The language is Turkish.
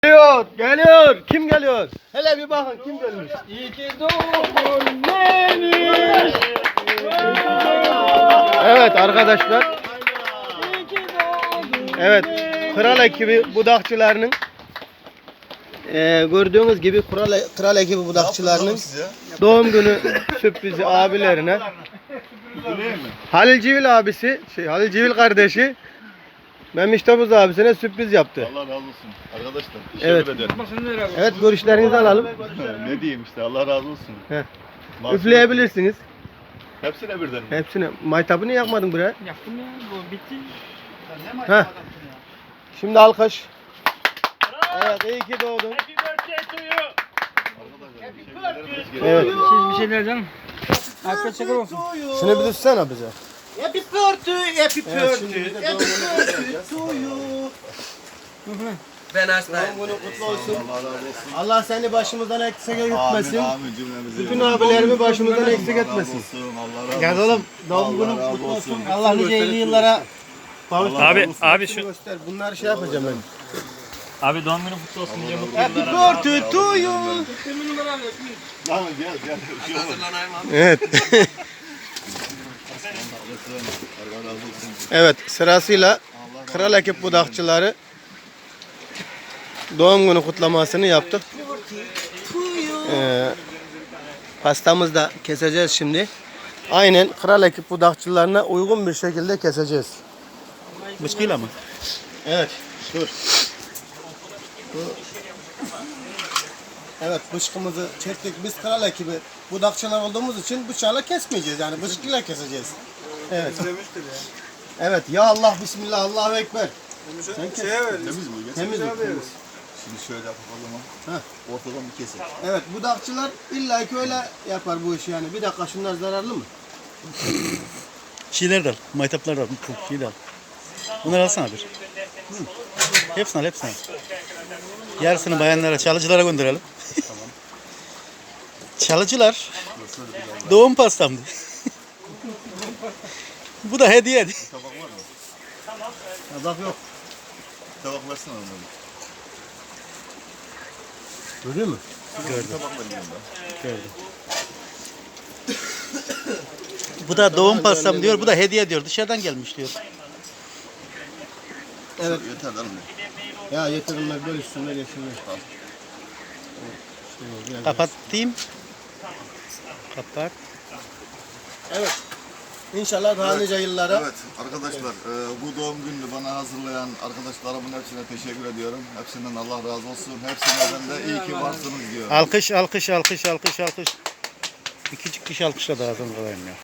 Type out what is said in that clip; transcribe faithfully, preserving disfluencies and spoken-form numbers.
Geliyor, geliyor. Kim geliyor? Hele bir bakın kim gelmiş. İyi ki doğdun Melis. Evet arkadaşlar. Evet, kral ekibi budakçılarının e, gördüğünüz gibi kral, kral ekibi budakçılarının doğum günü sürprizi abilerine. Halil Civil abisi, şey Halil Civil kardeşi Memiş Topuz abisine sürpriz yaptı. Allah razı olsun arkadaşlar. Teşekkür Evet. ederim. Evet, görüşlerinizi alalım. Ne diyeyim işte, Allah razı olsun. Heh. Mahsun- Üfleyebilirsiniz. Hepsine birden. Hepsini. Maytabı niye yakmadın buraya? Yaktım ya, bu bitti. Heh. Şimdi alkış. Evet, iyi ki doğdun. Evet. Siz bir şeyler canım. Afiyet şeker olsun. Şunu bir tutsana bize. Happy birthday, happy Evet, şimdi birthday, bir de happy doğum günü birthday to you. Ben hastayım. Doğum günü kutlu olsun. Allah razı olsun. Allah seni başımızdan eksik Amin etmesin. amin cümlemizi. Bütün abilerimi başımızdan eksik Allah razı etmesin. olsun. Allah razı olsun. Gel oğlum, doğum Allah günün razı kutlu olsun. olsun. Allah nice elli yıllara Allah Abi, razı olsun. abi şu göster. Bunlar şey yapacağım ben. abi doğum günü kutlu olsun diye mutlu Happy yıllar. birthday to you. Tamam gel gel. Bir şey olmaz. Evet. Allah razı olsun. Evet, sırasıyla kral ekip budakçıları doğum günü kutlamasını yaptık. Ee, pastamızı da keseceğiz şimdi. Aynen kral ekip budakçılarına uygun bir şekilde keseceğiz. Bıçkıyla mı? Evet, dur. Bu- Evet, bıçkımızı çektik. Biz kral ekibi budakçılar olduğumuz için bıçakla kesmeyeceğiz. Yani bıçkıyla keseceğiz. Evet. Evet, ya Allah, Bismillah, Allahu Ekber. Sen kes. Temiz mi? Gel. Temiz mi? Temiz. Şimdi şöyle yapalım ama. Heh. Ortadan bir keselim. Evet, budakçılar illa ki öyle yapar bu işi yani. Bir dakika, şunlar zararlı mı? Şeyler de al, maytaplar da al, bu şeyi de al. Bunları alsana bir. Hı. Hepsini al, hepsini al. Yarısını bayanlara, çalıcılara gönderelim. Tamam. Çalıcılar, doğum pastamdı. Bu da hediye. Tabak var mı? Tabak yok. Tabak versene onları. Görüyor musun? Gördüm, Tabak verin yanında. gördüm. Bu da doğum pastam diyor, bu da hediye diyor. Dışarıdan gelmiş diyor. Evet. Yeter lan. Ya yeter onlar böyle üstüne geçsinler. Kapatayım. Kapat. Evet. İnşallah daha nice yıllara. Evet arkadaşlar, e, bu doğum gününü bana hazırlayan arkadaşlarımın hepsine teşekkür ediyorum. Hepsinden Allah razı olsun. Hepsine de iyi ki varsınız diyorum. Alkış, alkış, alkış, alkış, alkış. İki kişi alkışla da ağzını kalayım ya.